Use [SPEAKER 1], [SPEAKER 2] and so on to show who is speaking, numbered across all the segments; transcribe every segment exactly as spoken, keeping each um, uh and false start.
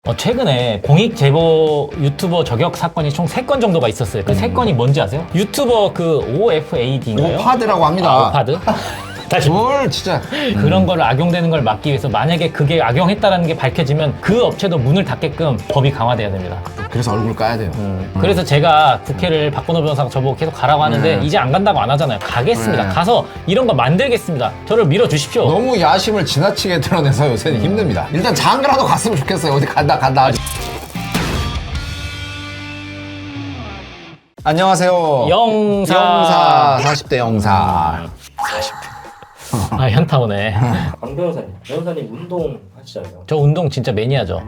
[SPEAKER 1] 어, 최근에 공익 제보 유튜버 저격 사건이 총 세 건 정도가 있었어요. 그 세
[SPEAKER 2] 음.
[SPEAKER 1] 건이 뭔지 아세요? 유튜버 그 오에프에이디인가요?
[SPEAKER 2] 오파드라고 합니다.
[SPEAKER 1] 아, 오파드? 다시
[SPEAKER 2] 뭘 진짜
[SPEAKER 1] 그런 걸 악용되는 걸 막기 위해서 만약에 그게 악용했다는 게 밝혀지면 그 업체도 문을 닫게끔 법이 강화돼야 됩니다.
[SPEAKER 2] 그래서 얼굴 까야 돼요.
[SPEAKER 1] 음. 그래서 제가 국회를 박건호 변호사가 저보고 계속 가라고 하는데
[SPEAKER 2] 네.
[SPEAKER 1] 이제 안 간다고 안 하잖아요. 가겠습니다.
[SPEAKER 2] 네.
[SPEAKER 1] 가서 이런 거 만들겠습니다. 저를 밀어주십시오.
[SPEAKER 2] 너무 야심을 지나치게 드러내서 요새는 힘듭니다. 일단 장가라도 갔으면 좋겠어요. 어디 간다 간다. 안녕하세요.
[SPEAKER 1] 영사.
[SPEAKER 2] 영사 사십 대 영사.
[SPEAKER 1] 아, 현타 오네.
[SPEAKER 3] 강 변호사님, 변호사님 운동 하시잖아요.
[SPEAKER 1] 저 운동 진짜 매니아죠.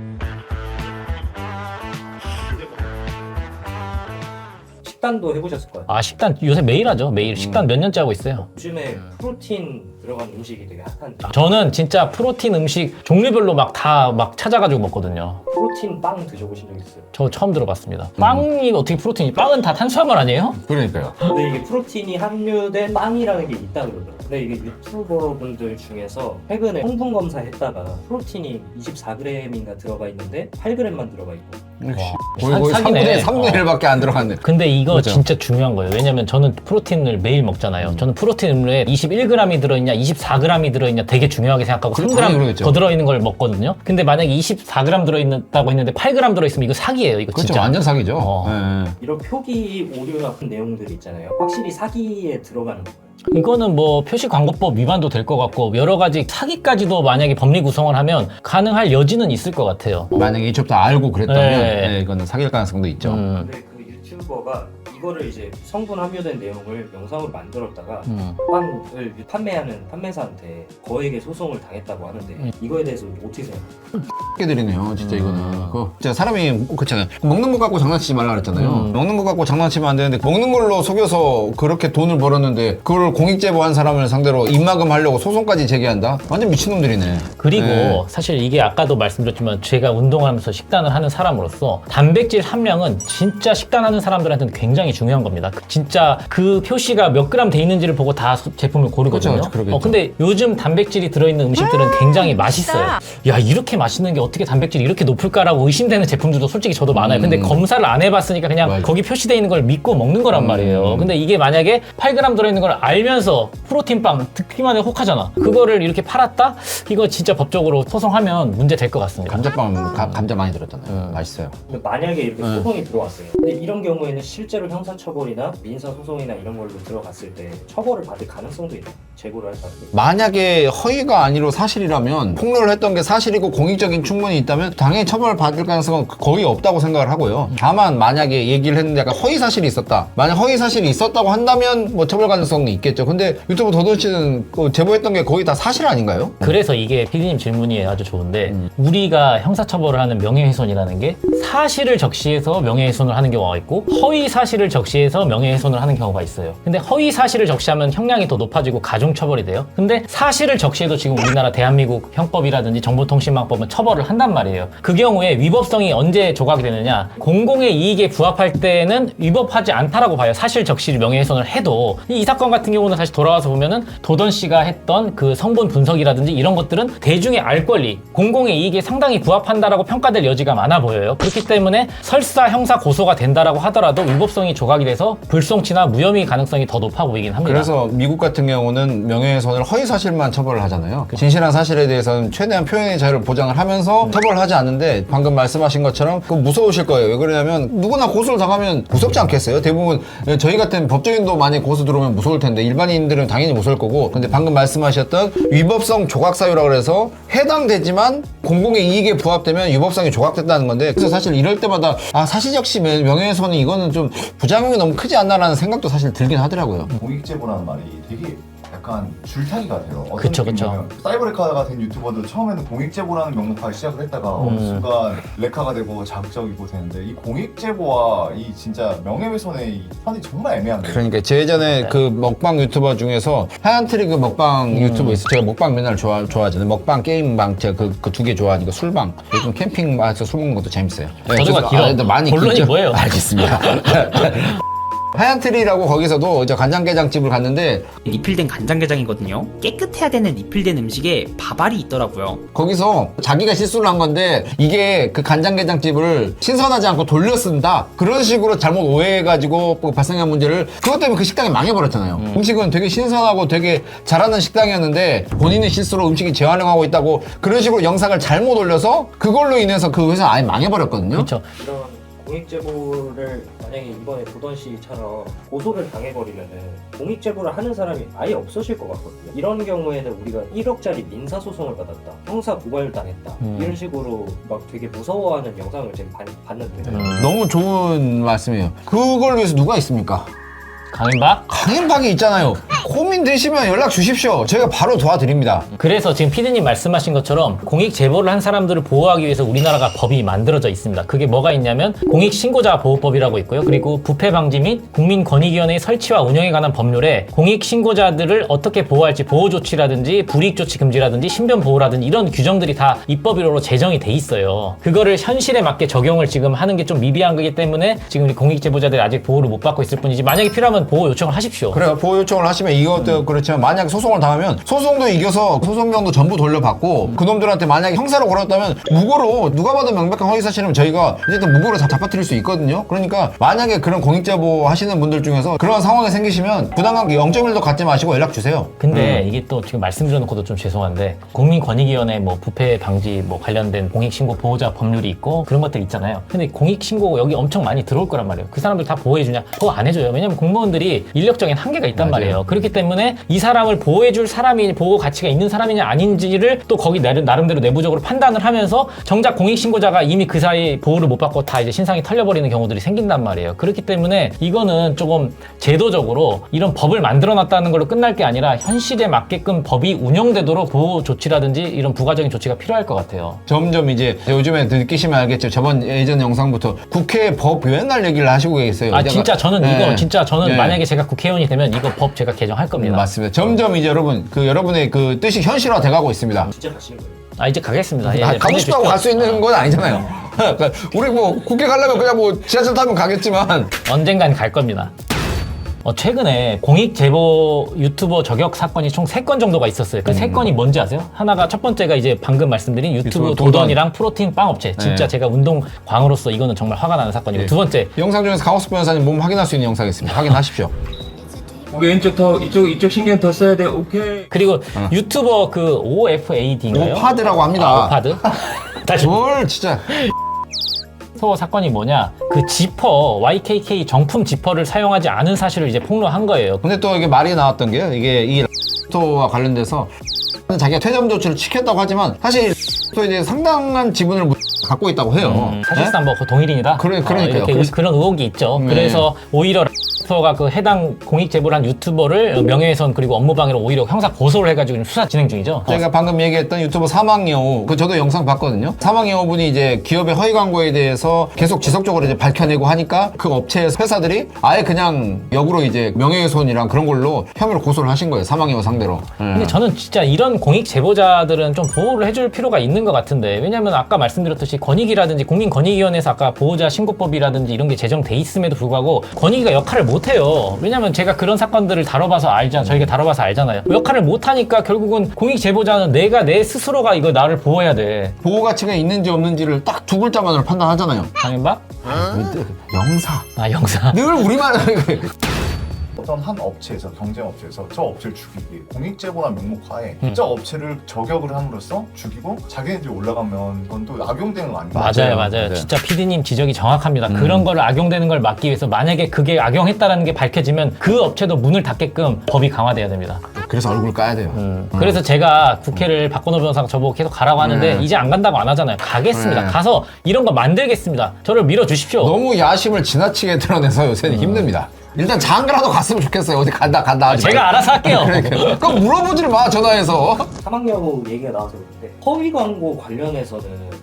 [SPEAKER 3] 식단도 해보셨을 거예요.
[SPEAKER 1] 아, 식단 요새 매일 하죠. 매일 식단 몇 년째 하고 있어요.
[SPEAKER 3] 요즘에 프로틴 들어간 음식이 되게 핫한데
[SPEAKER 1] 저는 진짜 프로틴 음식 종류별로 막 다 막 찾아가지고 먹거든요.
[SPEAKER 3] 프로틴 빵 드셔보신 적 있어요?
[SPEAKER 1] 저 처음 들어봤습니다. 빵이 어떻게 프로틴이? 빵은 다 탄수화물 아니에요?
[SPEAKER 2] 그러니까요.
[SPEAKER 3] 근데 이게 프로틴이 함유된 빵이라는 게 있다 그러더라고요. 근데 이게 유튜버 분들 중에서 최근에 성분 검사했다가 프로틴이 이십사 그램인가 들어가 있는데 팔 그램만 들어가 있고
[SPEAKER 2] 역시.
[SPEAKER 1] 사-
[SPEAKER 2] 거의 거의
[SPEAKER 1] 사기네.
[SPEAKER 2] 삼분의 일밖에 안 들어갔네.
[SPEAKER 1] 근데 이거
[SPEAKER 2] 그죠?
[SPEAKER 1] 진짜 중요한 거예요. 왜냐면 저는 프로틴을 매일 먹잖아요. 저는 프로틴 음료에 이십일 그램이 들어있냐, 이십사 그램이 들어있냐 되게 중요하게 생각하고
[SPEAKER 2] 그렇-
[SPEAKER 1] 삼 그램
[SPEAKER 2] 당연히 그러겠죠.
[SPEAKER 1] 더 들어있는 걸 먹거든요. 근데 만약에 이십사 그램 들어있다고 했는데 팔 그램 들어있으면 이거 사기예요. 이거
[SPEAKER 2] 그렇죠.
[SPEAKER 1] 진짜.
[SPEAKER 2] 완전 사기죠.
[SPEAKER 1] 어.
[SPEAKER 2] 네.
[SPEAKER 3] 이런 표기 오류나 그런 내용들이 있잖아요. 확실히 사기에 들어가는 거예요.
[SPEAKER 1] 이거는 뭐 표시광고법 위반도 될 것 같고 여러 가지 사기까지도 만약에 법리 구성을 하면 가능할 여지는 있을 것 같아요.
[SPEAKER 2] 만약에 이쪽도 알고 그랬다면
[SPEAKER 1] 네.
[SPEAKER 2] 네, 이거는 사귈 가능성도 있죠.
[SPEAKER 1] 음,
[SPEAKER 3] 근데 그 유튜버가 이거를 이제 성분 함유된 내용을 영상으로 만들었다가
[SPEAKER 1] 음.
[SPEAKER 3] 빵을 판매하는 판매사한테 거액의 소송을 당했다고 하는데
[SPEAKER 1] 음.
[SPEAKER 3] 이거에 대해서 어떻게 생각해요?
[SPEAKER 2] 깨드리네요, 진짜
[SPEAKER 1] 음.
[SPEAKER 2] 이거는. 그 진짜 사람이 그렇잖아요. 먹는 거 갖고 장난치지 말라 그랬잖아요.
[SPEAKER 1] 음.
[SPEAKER 2] 먹는 거 갖고 장난치면 안 되는데 먹는 걸로 속여서 그렇게 돈을 벌었는데 그걸 공익 제보한 사람을 상대로 입막음 하려고 소송까지 제기한다? 완전 미친놈들이네.
[SPEAKER 1] 그리고
[SPEAKER 2] 네.
[SPEAKER 1] 사실 이게 아까도 말씀드렸지만 제가 운동하면서 식단을 하는 사람으로서 단백질 함량은 진짜 식단하는 사람들한테는 굉장히 중요한 겁니다. 그- 진짜 그 표시가 몇 그램 돼 있는지를 보고 다 수- 제품을 고르거든요.
[SPEAKER 2] 그렇죠, 그러겠죠.
[SPEAKER 1] 어, 근데 요즘 단백질이 들어있는 음식들은 굉장히 맛있어요. 야, 이렇게 맛있는 게 어떻게 단백질이 이렇게 높을까라고 의심되는 제품들도 솔직히 저도 많아요. 근데
[SPEAKER 2] 음.
[SPEAKER 1] 검사를 안 해봤으니까 그냥
[SPEAKER 2] 맞아.
[SPEAKER 1] 거기 표시되어 있는 걸 믿고 먹는 거란
[SPEAKER 2] 음.
[SPEAKER 1] 말이에요. 근데 이게 만약에 팔 그램 들어있는 걸 알면서 프로틴빵 듣기만 해도 혹하잖아. 그거를 이렇게 팔았다? 이거 진짜 법적으로 소송하면 문제 될 것 같습니다.
[SPEAKER 2] 감자빵 가- 감자 많이 들었잖아요. 맛있어요.
[SPEAKER 3] 근데 만약에 이렇게
[SPEAKER 2] 네.
[SPEAKER 3] 소송이 들어왔어요. 근데 이런 경우에는 실제로 형사처벌이나 민사소송이나 이런 걸로 들어갔을 때 처벌을 받을 가능성도 있나요? 재고를 할 사람이?
[SPEAKER 2] 만약에 허위가 아니로 사실이라면 폭로를 했던 게 사실이고 공익적인 충분이 있다면 당연히 처벌을 받을 가능성은 거의 없다고 생각을 하고요. 다만 만약에 얘기를 했는데 약간 허위 사실이 있었다. 만약 허위 사실이 있었다고 한다면 뭐 처벌 가능성이 있겠죠. 근데 유튜브 도도씨는 그 제보했던 게 거의 다 사실 아닌가요?
[SPEAKER 1] 그래서 이게 피디님 질문이 아주 좋은데
[SPEAKER 2] 음.
[SPEAKER 1] 우리가 형사처벌을 하는 명예훼손이라는 게 사실을 적시해서 명예훼손을 하는 경우가 있고 허위 사실을 적시해서 명예훼손을 하는 경우가 있어요. 근데 허위 사실을 적시하면 형량이 더 높아지고 가중처벌이 돼요. 근데 사실을 적시해도 지금 우리나라 대한민국 형법이라든지 정보통신망법은 처벌을 한단 말이에요. 그 경우에 위법성이 언제 조각이 되느냐, 공공의 이익에 부합할 때는 위법하지 않다라고 봐요. 사실 적시 명예훼손을 해도. 이, 이 사건 같은 경우는 다시 돌아와서 보면은 도던 씨가 했던 그 성분 분석이라든지 이런 것들은 대중의 알 권리, 공공의 이익에 상당히 부합한다라고 평가될 여지가 많아 보여요. 그렇기 때문에 설사 형사 고소가 된다라고 하더라도 위법성이 조각이 돼서 불송치나 무혐의 가능성이 더 높아 보이긴 합니다.
[SPEAKER 2] 그래서 미국 같은 경우는 명예훼손을 허위 사실만 처벌을 하잖아요. 진실한 사실에 대해서는 최대한 표현의 자유를 보장을 하면서 처벌을 하지 않는데 방금 말씀하신 것처럼 그거 무서우실 거예요. 왜 그러냐면 누구나 고소를 당하면 무섭지 않겠어요? 대부분 저희 같은 법조인도 만약 고소 들어오면 무서울 텐데 일반인들은 당연히 무서울 거고, 근데 방금 말씀하셨던 위법성 조각사유라고 해서 해당되지만 공공의 이익에 부합되면 위법성이 조각됐다는 건데, 그래서 사실 이럴 때마다 아 사실적시 명예훼손이 이거는 좀 부작용이 너무 크지 않나라는 생각도 사실 들긴 하더라고요.
[SPEAKER 4] 공익제보라는 말이 되게 약간 줄타기가 돼요. 어떤
[SPEAKER 1] 그쵸, 그쵸.
[SPEAKER 4] 느낌이냐면 사이버 레카가 된 유튜버도 처음에는 공익제보라는 명목하에 시작을 했다가
[SPEAKER 1] 음.
[SPEAKER 4] 어느 순간 레카가 되고 자극적이고 되는데 이 공익제보와 이 진짜 명예훼손의 이 선이 정말 애매한 거예요.
[SPEAKER 2] 그러니까 제 예전에 그 먹방 유튜버 중에서 하얀 트리 그 먹방 유튜버 있어요. 제가 먹방 맨날 좋아, 좋아하잖아요. 먹방, 게임방, 제가 그, 그 두 개 좋아하니까 술방. 요즘 캠핑 가서 술 먹는 것도 재밌어요. 네,
[SPEAKER 1] 저도가
[SPEAKER 2] 그래서-
[SPEAKER 1] 길어.
[SPEAKER 2] 아, 근데 많이
[SPEAKER 1] 본론이
[SPEAKER 2] 길죠?
[SPEAKER 1] 뭐예요?
[SPEAKER 2] 알겠습니다. 하얀 트리라고 거기서도 이제 간장게장집을 갔는데
[SPEAKER 5] 리필된 간장게장이거든요. 깨끗해야 되는 리필된 음식에 밥알이 있더라고요.
[SPEAKER 2] 거기서 자기가 실수를 한 건데 이게 그 간장게장집을 신선하지 않고 돌려 쓴다 그런 식으로 잘못 오해해가지고 발생한 문제를 그것 때문에 그 식당이 망해버렸잖아요. 음. 음식은 되게 신선하고 되게 잘하는 식당이었는데 본인의 실수로 음식이 재활용하고 있다고 그런 식으로 영상을 잘못 올려서 그걸로 인해서 그 회사 아예 망해버렸거든요.
[SPEAKER 1] 그렇죠.
[SPEAKER 3] 이런 공익 제보를 만약에 이번에 도던 씨처럼 고소를 당해버리면은 공익 제보를 하는 사람이 아예 없어질 것 같거든요. 이런 경우에는 우리가 일억짜리 민사 소송을 받았다, 형사 고발 당했다
[SPEAKER 1] 음.
[SPEAKER 3] 이런 식으로 막 되게 무서워하는 영상을 지금 봤, 봤는데
[SPEAKER 1] 음.
[SPEAKER 2] 너무 좋은 말씀이에요. 그걸 위해서 누가 있습니까?
[SPEAKER 1] 강인박?
[SPEAKER 2] 강인박이 있잖아요. 고민 되시면 연락 주십시오. 저희가 바로 도와드립니다.
[SPEAKER 1] 그래서 지금 피디님 말씀하신 것처럼 공익 제보를 한 사람들을 보호하기 위해서 우리나라가 법이 만들어져 있습니다. 그게 뭐가 있냐면 공익신고자 보호법이라고 있고요. 그리고 부패 방지 및 국민권익위원회 설치와 운영에 관한 법률에 공익신고자들을 어떻게 보호할지 보호 조치라든지 불이익 조치 금지라든지 신변 보호라든지 이런 규정들이 다 입법으로 제정이 돼 있어요. 그거를 현실에 맞게 적용을 지금 하는 게 좀 미비한 거기 때문에 지금 우리 공익 제보자들이 아직 보호를 못 받고 있을 뿐이지 만약에 필요하면 보호 요청을 하십시오.
[SPEAKER 2] 그래요. 보호 요청을 하시면 이것도 음. 그렇지만 만약에 소송을 당하면 소송도 이겨서 소송비용도 전부 돌려받고 음. 그놈들한테 만약에 형사로 걸었다면 무고로 누가 봐도 명백한 허위사실이면 저희가 어쨌든 무고로 다 잡아뜨릴 수 있거든요. 그러니까 만약에 그런 공익제보 하시는 분들 중에서 그런 상황이 생기시면 부당한 영 점 일도 갖지 마시고 연락 주세요.
[SPEAKER 1] 근데
[SPEAKER 2] 음.
[SPEAKER 1] 이게 또 지금 말씀드려놓고도 좀 죄송한데 국민권익위원회 뭐 부패 방지 뭐 관련된 공익신고 보호자 법률이 있고 그런 것들 있잖아요. 근데 공익신고 여기 엄청 많이 들어올 거란 말이에요. 그 사람들 다 보호해주냐? 보호 안 해줘요. 왜냐면 공무원들이 인력적인 한계가 있단
[SPEAKER 2] 맞아요.
[SPEAKER 1] 말이에요. 그렇기 때문에 이 사람을 보호해줄 사람이 보호 가치가 있는 사람이냐 아닌지를 또 거기 나름대로 내부적으로 판단을 하면서 정작 공익신고자가 이미 그 사이 보호를 못 받고 다 이제 신상이 털려버리는 경우들이 생긴단 말이에요. 그렇기 때문에 이거는 조금 제도적으로 이런 법을 만들어놨다는 걸로 끝날 게 아니라 현실에 맞게끔 법이 운영되도록 보호 조치라든지 이런 부가적인 조치가 필요할 것 같아요. 점점
[SPEAKER 2] 이제 요즘에 느끼시면 알겠죠. 저번 예전 영상부터 국회 법 맨날 얘기를 하시고 계세요.
[SPEAKER 1] 아 진짜 저는
[SPEAKER 2] 네.
[SPEAKER 1] 이거 진짜 저는
[SPEAKER 2] 네.
[SPEAKER 1] 만약에 제가 국회의원이 되면 이거 법 제가 개정할 겁니다.
[SPEAKER 2] 음, 맞습니다. 점점 이제 여러분 그 여러분의 그 뜻이 현실화 돼가고 있습니다.
[SPEAKER 3] 진짜 가시는 거예요?
[SPEAKER 1] 아 이제 가겠습니다. 예,
[SPEAKER 2] 아,
[SPEAKER 1] 예,
[SPEAKER 2] 가고 싶다고 갈 수 있는 건 아니잖아요. 그러니까 우리 뭐 국회 가려면 그냥 뭐 지하철 타면 가겠지만
[SPEAKER 1] 언젠간 갈 겁니다. 어, 최근에 공익 제보 유튜버 저격 사건이 총 세 건 정도가 있었어요. 그 세 건이 뭔지 아세요? 하나가 첫 번째가 이제 방금 말씀드린 유튜브
[SPEAKER 2] 유튜브 도던.
[SPEAKER 1] 도던이랑 프로틴 빵 업체. 진짜
[SPEAKER 2] 네.
[SPEAKER 1] 제가 운동광으로서 이거는 정말 화가 나는 사건이고
[SPEAKER 2] 네.
[SPEAKER 1] 두 번째
[SPEAKER 2] 영상 중에서 강호수 변호사님 몸 확인할 수 있는 영상이 있습니다. 확인하십시오.
[SPEAKER 6] 고개 왼쪽 더 이쪽 이쪽 신경 더 써야 돼. 오케이.
[SPEAKER 1] 그리고 유튜버 그 오에프에이디인가요?
[SPEAKER 2] 오파드라고 합니다.
[SPEAKER 1] 아, 오파드? 다시
[SPEAKER 2] 뭘 진짜
[SPEAKER 1] 서 사건이 뭐냐? 그 지퍼 와이케이케이 정품 지퍼를 사용하지 않은 사실을 이제 폭로한 거예요.
[SPEAKER 2] 근데 또 이게 말이 나왔던 게요. 이게 이 스토어와 관련돼서 자기가 퇴점 조치를 지켰다고 하지만 사실 스토어에 대해 상당한 지분을 갖고 있다고 해요.
[SPEAKER 1] 음, 사실상 뭐 그 동일인이다.
[SPEAKER 2] 그래- 그러니까요.
[SPEAKER 1] 어, 이렇게
[SPEAKER 2] 그래서-
[SPEAKER 1] 그런 의혹이 있죠.
[SPEAKER 2] 네.
[SPEAKER 1] 그래서 오히려 스토어가 그 해당 공익 제보를 한 유튜버를 명예훼손 그리고 업무방해로 오히려 형사 고소를 해가지고 지금 수사 진행 중이죠.
[SPEAKER 2] 저희가 방금 얘기했던 유튜버 사망여우, 그 저도 영상 봤거든요. 사망여우분이 이제 기업의 허위 광고에 대해서 계속 지속적으로 이제 밝혀내고 하니까 그 업체에서 회사들이 아예 그냥 역으로 이제 명예훼손이랑 그런 걸로 혐의로 고소를 하신 거예요. 사망여우 상대로.
[SPEAKER 1] 근데 저는 진짜 이런 공익 제보자들은 좀 보호를 해줄 필요가 있는 것 같은데 왜냐면 아까 말씀드렸듯이 권익이라든지 국민권익위원회에서 아까 보호자 신고법이라든지 이런 게 제정돼 있음에도 불구하고 권익위가 역할을 못해요. 왜냐면 제가 그런 사건들을 다뤄봐서 알잖아. 저희가 다뤄봐서 알잖아요. 역할을 못하니까 결국은 공익 제보자는 내가 내 스스로가 이거 나를 보호해야 돼.
[SPEAKER 2] 보호 가치가 있는지 없는지를 딱 두 글자만으로 판단하잖아요.
[SPEAKER 1] 강인박?
[SPEAKER 2] 영사.
[SPEAKER 1] 아 영사.
[SPEAKER 2] 늘 우리만
[SPEAKER 4] 어떤 한 업체에서 경쟁 업체에서 저 업체를 죽이기 공익제보란 명목하에 저 업체를 저격을 함으로써 죽이고 자기네들이 올라가면 그건 또 악용되는 거 아닙니까?
[SPEAKER 1] 맞아요,
[SPEAKER 2] 맞아요.
[SPEAKER 1] 맞아요.
[SPEAKER 2] 네.
[SPEAKER 1] 진짜 피디님 지적이 정확합니다.
[SPEAKER 2] 음.
[SPEAKER 1] 그런 거를 악용되는 걸 막기 위해서 만약에 그게 악용했다라는 게 밝혀지면 그 업체도 문을 닫게끔 법이 강화돼야 됩니다.
[SPEAKER 2] 그래서 얼굴 까야 돼요.
[SPEAKER 1] 음. 그래서 제가 국회를 박건호 변호사가 저보고 계속 가라고 하는데
[SPEAKER 2] 네.
[SPEAKER 1] 이제 안 간다고 안 하잖아요. 가겠습니다.
[SPEAKER 2] 네.
[SPEAKER 1] 가서 이런 거 만들겠습니다. 저를 밀어주십시오.
[SPEAKER 2] 너무 야심을 지나치게 드러내서 요새는 힘듭니다. 일단 장가라도 갔으면 좋겠어요. 어디 간다 간다 하지
[SPEAKER 1] 제가
[SPEAKER 2] 말고.
[SPEAKER 1] 알아서 할게요.
[SPEAKER 2] 그러니까 그거 물어보지를 마 전화해서.
[SPEAKER 3] 사망여우 얘기가 나와서 그런데 허위 광고 관련해서는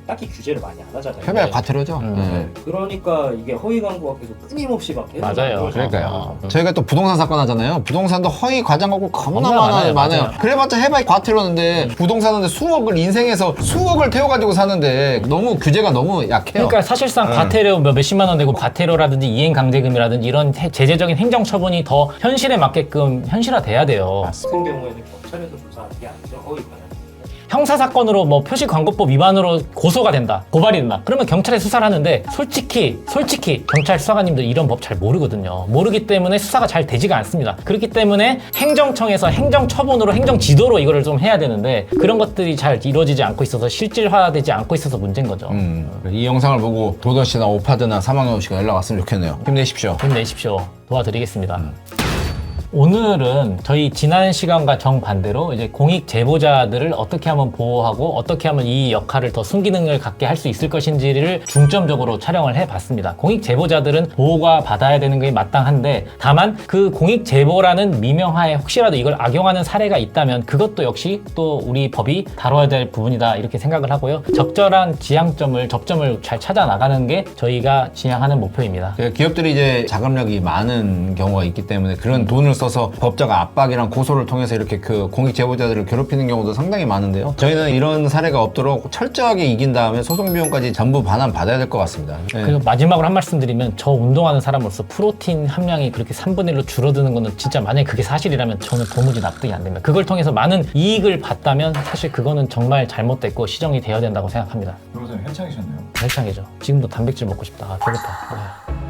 [SPEAKER 3] 딱히 규제를 많이 안 하잖아요.
[SPEAKER 2] 협약 과태료죠.
[SPEAKER 1] 음.
[SPEAKER 2] 네.
[SPEAKER 3] 그러니까 이게 허위 광고가 계속 끊임없이 막 계속
[SPEAKER 1] 맞아요.
[SPEAKER 3] 나오잖아요.
[SPEAKER 2] 그러니까요.
[SPEAKER 1] 음.
[SPEAKER 2] 저희가 또 부동산 사건 하잖아요. 부동산도 허위 과장 광고 겁나
[SPEAKER 1] 겁나
[SPEAKER 2] 많아요.
[SPEAKER 1] 많아요.
[SPEAKER 2] 많아요.
[SPEAKER 1] 맞아요.
[SPEAKER 2] 그래봤자 해봐야 과태료인데 부동산인데 수억을 인생에서 수억을 태워가지고 사는데 너무 규제가 너무 약해요.
[SPEAKER 1] 그러니까 사실상
[SPEAKER 2] 네.
[SPEAKER 1] 과태료 몇- 몇십만 원 내고 과태료라든지 이행강제금이라든지 이런 해- 제재적인 행정처분이 더 현실에 맞게끔 현실화돼야 돼요.
[SPEAKER 3] 같은 경우에는 경찰에서 조사하는 게 아니죠. 허위 관련.
[SPEAKER 1] 형사사건으로 뭐 표시광고법 위반으로 고소가 된다, 고발이 된다. 그러면 경찰에 수사를 하는데 솔직히 솔직히 경찰 수사관님들 이런 법 잘 모르거든요. 모르기 때문에 수사가 잘 되지가 않습니다. 그렇기 때문에 행정청에서 행정처분으로 행정지도로 이거를 좀 해야 되는데 그런 것들이 잘 이루어지지 않고 있어서 실질화되지 않고 있어서 문제인 거죠.
[SPEAKER 2] 음, 이 영상을 보고 도던 씨나 오파드나 사망여 씨가 연락 왔으면 좋겠네요. 힘내십시오.
[SPEAKER 1] 힘내십시오. 도와드리겠습니다. 오늘은 저희 지난 시간과 정반대로 이제 공익 제보자들을 어떻게 하면 보호하고 어떻게 하면 이 역할을 더 순기능을 갖게 할 수 있을 것인지를 중점적으로 촬영을 해봤습니다. 공익 제보자들은 보호가 받아야 되는 게 마땅한데 다만 그 공익 제보라는 미명하에 혹시라도 이걸 악용하는 사례가 있다면 그것도 역시 또 우리 법이 다뤄야 될 부분이다 이렇게 생각을 하고요. 적절한 지향점을 접점을 잘 찾아 나가는 게 저희가 지향하는 목표입니다.
[SPEAKER 2] 그 기업들이 이제 자금력이 많은 경우가 있기 때문에 그런 돈을 써서 법적 압박이랑 고소를 통해서 이렇게 그 공익 제보자들을 괴롭히는 경우도 상당히 많은데요. 저희는 이런 사례가 없도록 철저하게 이긴 다음에 소송 비용까지 전부 반환 받아야 될 것 같습니다. 네.
[SPEAKER 1] 그리고 마지막으로 한 말씀 드리면 저 운동하는 사람으로서 프로틴 함량이 그렇게 삼분의 일로 줄어드는 거는 진짜 만약에 그게 사실이라면 저는 도무지 납득이 안 됩니다. 그걸 통해서 많은 이익을 봤다면 사실 그거는 정말 잘못됐고 시정이 되어야 된다고 생각합니다.
[SPEAKER 4] 변호사님 한창이셨네요.
[SPEAKER 1] 헬창이죠. 지금도 단백질 먹고 싶다. 아, 배고파. 아.